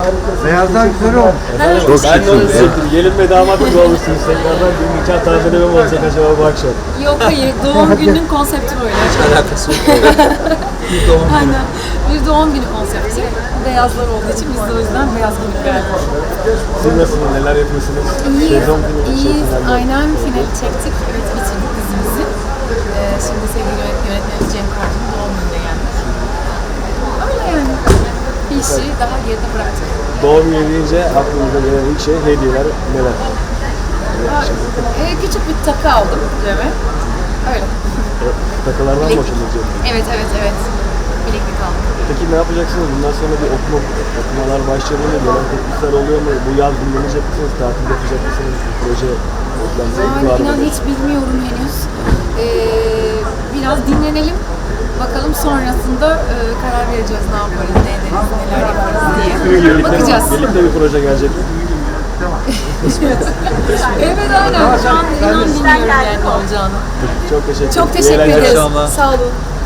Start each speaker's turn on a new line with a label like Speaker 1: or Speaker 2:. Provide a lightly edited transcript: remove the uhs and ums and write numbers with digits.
Speaker 1: Beyazlar güzel olmuş.
Speaker 2: Çok
Speaker 3: Ben de onu
Speaker 2: şıksınız ya.
Speaker 3: hissettim. Gelin ve damat gibi olmuşsunuz tekrardan. Bir nikah tazeleme mi olacak acaba bu akşam?
Speaker 4: Yok hayır, doğum gününün konsepti böyle.
Speaker 2: Alakası yok.
Speaker 4: Aynen. Bir doğum günü konsepti. Beyazlar olduğu için biz de o yüzden beyaz giyinip geldik.
Speaker 3: Siz nasılsınız? Neler yapıyorsunuz?
Speaker 4: İyiyiz,
Speaker 3: Sezon finali
Speaker 4: iyiyiz.
Speaker 3: çekimlerinde.
Speaker 4: Aynen finali çektik. Evet, bitirdik dizimizi. Şimdi sevgili yönetmenimiz Cem Karcı'nın doğum gününe geldik. Öyle yani. Bir işi daha geride bıraktık.
Speaker 3: Doğum günü deyince aklınıza gelen ilk şey hediyeler neler?
Speaker 4: Küçük bir takı aldım Cem'e. Öyle.
Speaker 3: Takılardan mı hoşlanacak?
Speaker 4: Evet, evet, evet. Bileklik aldım.
Speaker 3: Peki ne yapacaksınız? Bundan sonra bir okumalar başladı mı? Gelen teklifler oluyor mu? Bu yaz dinlenecek misiniz? Tatil yapacak mısınız? Bir proje beklentiniz var mı?
Speaker 4: İnan hiç bilmiyorum henüz. Biraz dinlenelim. Bakalım sonrasında karar vereceğiz ne yaparız, ne ederiz, neler yaparız diye. Bakacağız.
Speaker 3: Birlikte bir proje gelecek mi?
Speaker 4: Evet aynen. Şu an inan bilmiyorum yani ne olacağını.
Speaker 3: Çok teşekkür ederim.
Speaker 4: Çok teşekkür
Speaker 3: İyi eğlenceler.
Speaker 4: ederiz.
Speaker 2: akşamlar.
Speaker 4: Sağ olun.